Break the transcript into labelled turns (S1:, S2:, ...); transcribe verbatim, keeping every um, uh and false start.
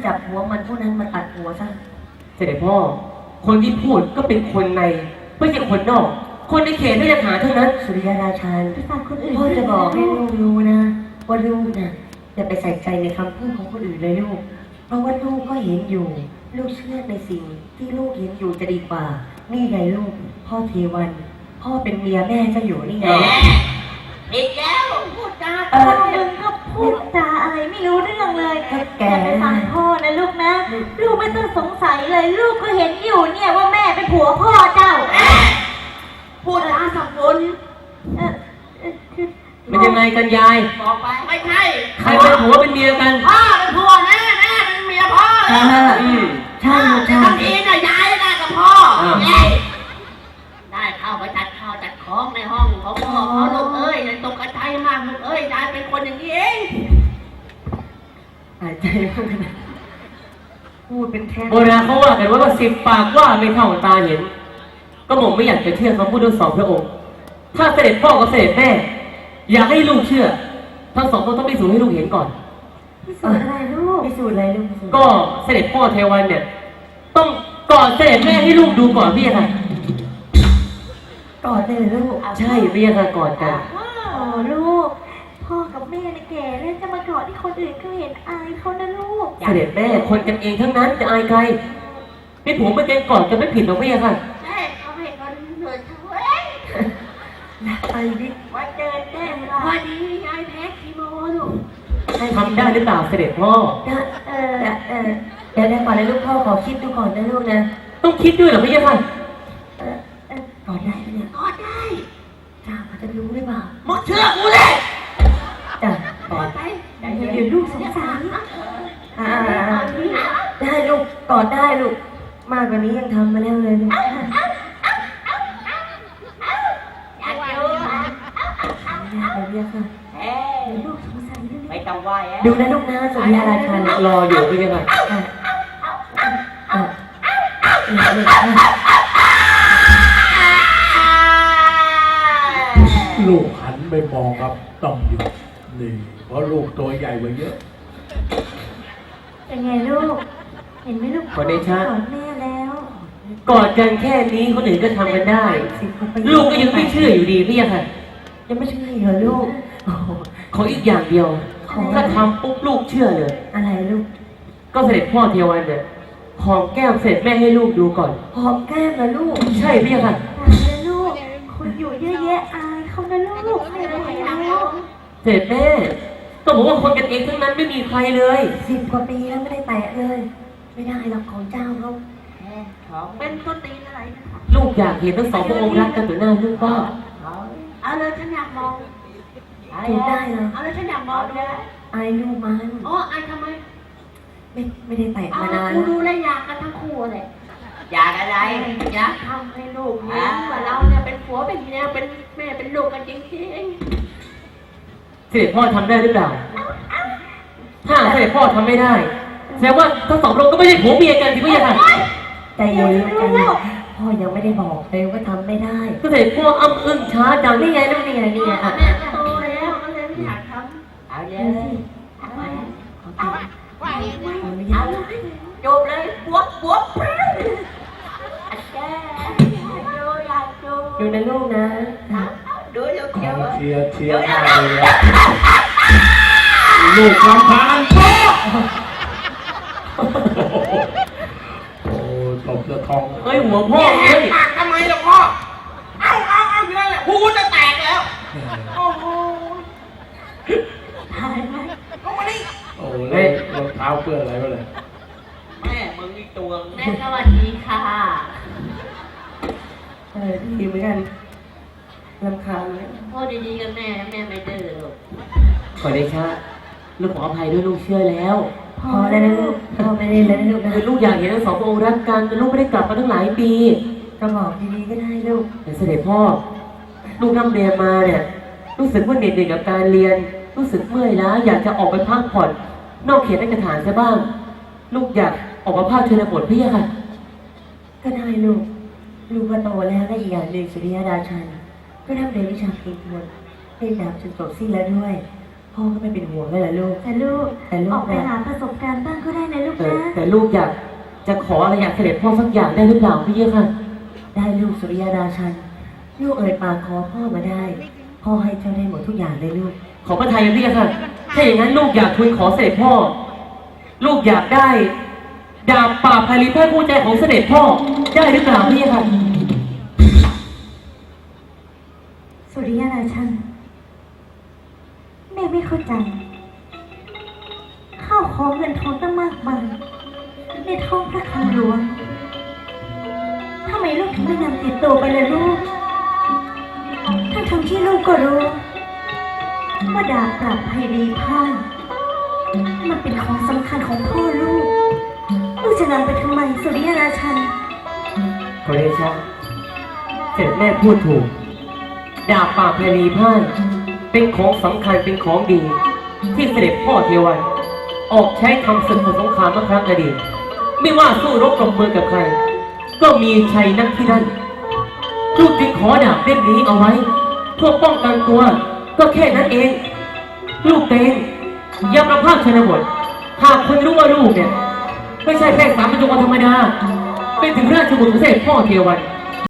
S1: จับหัวมันผู้นั้นมาตัดหัวซะ
S2: เสด็จพ่อคนที่พูดก็เป็นคนในไม่ใช่คนนอกคนในเขตไม่ได้หาเท่านั้น
S1: สุริยราชันพ่อจะบอกให้ลูกรู้นะว่าลูกนะอย่าไปใส่ใจในคำพูดของคนอื่นเลยลูกเพราะว่าลูกก็เห็นอยู่ลูกเชื่อในสิ่งที่ลูกเห็นอยู่จะดีกว่านี่ไงลูกพ่อเทวันพ่อเป็นเมียแม่จะอยู่นี่ไง
S3: อีกแล้วพูดจาเออมึงก็พูดจาอะไรไม่รู้เรื่องเลยอย่าไปฟังพ่อนะลูกนะลูกไม่ต้องสงสัยเลยลูกก็เห็นอยู่เนี่ยว่าแม่เป็นผัวพ่อเจ้าพูดจาสับสน
S2: มันยังไงกันยาย
S3: บอกไปไม่ใช่
S2: ใครเป็นผัวเป็นเมียกัน
S3: พ่อเป็นผัวแม่แม่เป็นเมียพ่อ
S1: ใช่ใช่ใช่
S3: บางทีน่ะยายได้กับพ่อได้เข้าไปจัดข้าวจัดของในห้องของพ่อเขาลูกเอ้ยตกกระใจมากลูกเอ้ยยายเป็นคนอย่างนี้เอง
S1: หายใจมากนะพูดเป็นแค่
S2: โบราณเขาว่ากันว่าสิบปากว่าไม่เท่าตาเห็นก็ผมไม่อยากจะเชื่อคำพูดทั้งสองพระองค์ถ้าเสด็จพ่อกับเสด็จแม่อยากให้ลูกเชื่อทั้งสองคนต้องพิสูจน์ให้ลูกเห็นก่อน
S1: พิสูจน์อะไรลูกพิสูจน์อะไรลูก
S2: ก็เสด็จพ่อเทวันเนี่ยต้องกอดเสด็จแม่ให้ลูกดูก่อนพี่ค่ะ
S1: กอดเลยลูก
S2: ใช่พี่ค่ะกอดกัน
S3: อ๋อลูกพ่อกับแม่เนี่ยแก่แล้วจะมากอดที่คนอื่นเขาเห็นอายเขานะลูก
S2: เสด็จแม่คนกันเองทั้งนั้นจะอายใครพี่ผมไม่เป็นกอดกันไม่ผิดหรอกพี่ค่ะ
S3: แม่เขาให้คนเหนื่อยทั้งเว้ย
S1: ไปดิ
S3: ว่าเจอแน่พอดียายแพ้คีโมลูก
S2: ทำได้หรือเปล่าเสด็จพ่อ
S1: เออเออเดี๋ยวได้ก่อนเลยลูกพ่อขอคิดดูก่อนนะลูกนะ
S2: ต้องคิดด้วยเหรอพี่ค่ะ
S1: เออเออกอดได้เนี่ย
S3: กอดได้
S1: จ้าเขาจะรู้หรือเปล่า
S3: มึงเชื่อกูเลย
S1: จ้
S3: ากอดไป
S1: เดี๋ยวลูกสงสารอ่าได้ลูกกอดได้ลูกมากกว่านี้ยังทำมาแล้วเลยลูกเรียกค่ะลูกสงสัยด้วย
S3: ไม่ต้องไหว
S1: ดูนะลูกนะสุริยาราชัน
S2: รออยู่พี่ค่ะ
S4: ลูกหันไปมองครับต้องหยุดนี่เพราะลูกตัวใหญ่กว่าเยอะ
S3: เป็นไงลูกเห็นไหมลูก
S2: กอดได้ชัด
S3: กอดแม่แล้ว
S2: กอดกันแค่นี้คนอื่นก็ทำกันได้ลูกก็ยังไม่เชื่ออยู่ดีพี่ค่ะ
S1: ยังไม่เชื่อเหรอลูก
S2: ขออีกอย่างเดียวถ้าทำปุ๊บลูกเชื่อเลย
S1: อะไรลูก
S2: ก็เสด็จพ่อเทวันเนี่ยหอมแก้มเสร็จแม่ให้ลูกดูก่อน
S1: หอมแก้มนะลูก
S2: ใช่พี่ค่ะ
S3: ลูกคนอยู่เยอะแยะอายเขานะลูกไม่ได้แล้ว
S2: เสร็จแม่ต้องบอกว่าคนกันเองทั้งนั้นไม่มีใครเลย
S1: สิบกว่าปีแล้วไม่ได้แตะเลยไม่ได้หรอกของเจ้าเขา
S3: เป็นต้นตีนอะไร
S2: ลูกอยากเห็นทั้งสองพระองค์รักกันต่อหน้าลูกก็
S3: เอาเลยฉันอยากมอง
S1: ถูกได้เหรอ
S3: เอาเลยฉันอยากมองด้วย
S1: ไอ้ลูกมัน
S3: อ๋อไอ้ทำไม
S1: ไม่ไม่ได้แตะมานาน
S3: กูดูแลอยากกันทั้งคู่เลยอยากอะไรอยากทำให้ลูกเห็นว่าเราเนี่ยเป็นผัวเป็นเมียเป็นแม่เป็นลูกกันจริงๆ
S2: เสด็จพ่อทำได้หรือเปล่าถ้าเสด็จพ่อทำไม่ได้แสดงว่าทั้งสองพระองค์ก็ไม่ใช่ผัวเมียกันที่ไม่ใช่ค่ะ
S1: ใจเย็นใจเย็นพ่อยังไม่ได้บอกเลยว่าทำไม่ได้
S2: ก็เสด็จพ่ออ้ำอึ้งช้าจัง
S1: นี่ไงลูกนี่ไงนี่ไงอ่ะ
S3: โตแล้วก็เลยไม่อยากทำเอาเลยเอาไปเอาไปเอาจบเลยบวกบวก
S1: ดูนะลูกนะ
S3: ดูเดี๋ยวเดี๋ยว
S4: เชียร์เชียร์มากเลยลูกลำพานพ่อโอ้ตบจะทอง
S2: เฮ้ยหัวพ่อเฮ้ย
S3: ปากทำไมล่ะพ่อเอาเอาเอาอยู่นั่นแหละหูจะแตกแล้วโอ้โหตายไหมลงมาดิ
S4: โอ้เล่นรองเท้าเปื้อนอะไรมาเลย
S3: แม่มึงอีกตัวแม่สวัสดีค่ะ
S1: เออดีเหมือนกันรำคาญไหม
S3: พ่อดีๆกับแม่แม่ไม่ดื้อหรอก
S2: ขอได้ชะลูกขออภัยด้วยลูกเชื่อแล้ว
S1: พอแล้วนะลูกพ่อไม่ได้แล้วนะลูกนะ
S2: ลูกอยากเห็นทั้งสองพระองค์รักกันแต่ลูกไม่ได้กลับมาตั้งหลายปี
S1: ก็บอกดีๆก็ได้ลูก
S2: แต่เสด็จพ่อลูกนำเรียนมาเนี่ยรู้สึกว่าเหนื่อยกับการเรียนรู้สึกเมื่อยล้าอยากจะออกไปพักผ่อนนอกเขตราชฐานซะบ้างลูกอยากออกมาภาคชนบทพี่ค่ะ
S1: ก็ได้ลูกลูกก็โตแล้วและอีกอย่างหนึ่งสุริยราชันก็ทำเรียนวิชาเพลงทวนเรียนดาบจนจบสิ้นแล้วด้วยพพ่อก็ไม่เป็นห่วงแล้วล่ะลูก
S3: แต่ลูก
S1: แต่ลูก
S3: ออกไป
S1: นะ
S3: หาประสบการณ์บ้างก็ได้นะลูก
S2: แต่
S3: นะ
S2: แต่ลูกอยากจะขออะไรอยากเสด็จพ่อสักอย่างได้หรือเปล่าพี่เยค่ะ
S1: ได้ลูกสุริยาราชันลูกเอ่ยปากขอพ่อมาได้ พ่อให้เจ้าได้หมดทุกอย่างเลยลูก
S2: ขอพระทัยพี่เยค่ะถ้าอย่างนั้นลูกอยากทูลขอเสด็จพ่อ ลูกอยากได้ดาบป่าบพาลีพระคู่ใจของเสด็จพ่อได้หรือเปล่าพี่เยค่ะ
S3: สุริยราชันแม่ไม่เข้าใจข้าวของเงินทองตั้งมากมายในท้องพระคลังหลวงทำไมลูกถึงไม่นำติดตัวไปเลยลูกทั้งทั้งๆที่ลูกก็รู้ว่าดาบปราบภัยรีพ่ายมันเป็นของสำคัญของพ่อลูกลูกจะนำไปทำไมสุริยราชัน
S2: ขอเดชะเสด็จแม่พูดถูกดาบป่าบพาลีพ่ายเป็นของสำคัญเป็นของดี ที่เสด็จพ่อเทวันออกใช้ทำศึกสงครามเมื่อครั้งอดีตไม่ว่าสู้รบกับเมืองกับใคร ก็มีชัยนักที่นั่นลูกจึงขอดาบเล่มนี้เอาไว้เพื่อป้องกันตัว ก็แค่นั้นเอง ลูกเตงยามประพาสชนบทหากคนรู้ว่าลูกเนี่ยไม่ใช่แค่สามัญชนธรรมดาเป็นถึงราชบุตรของเสด็จพ่อเทวัน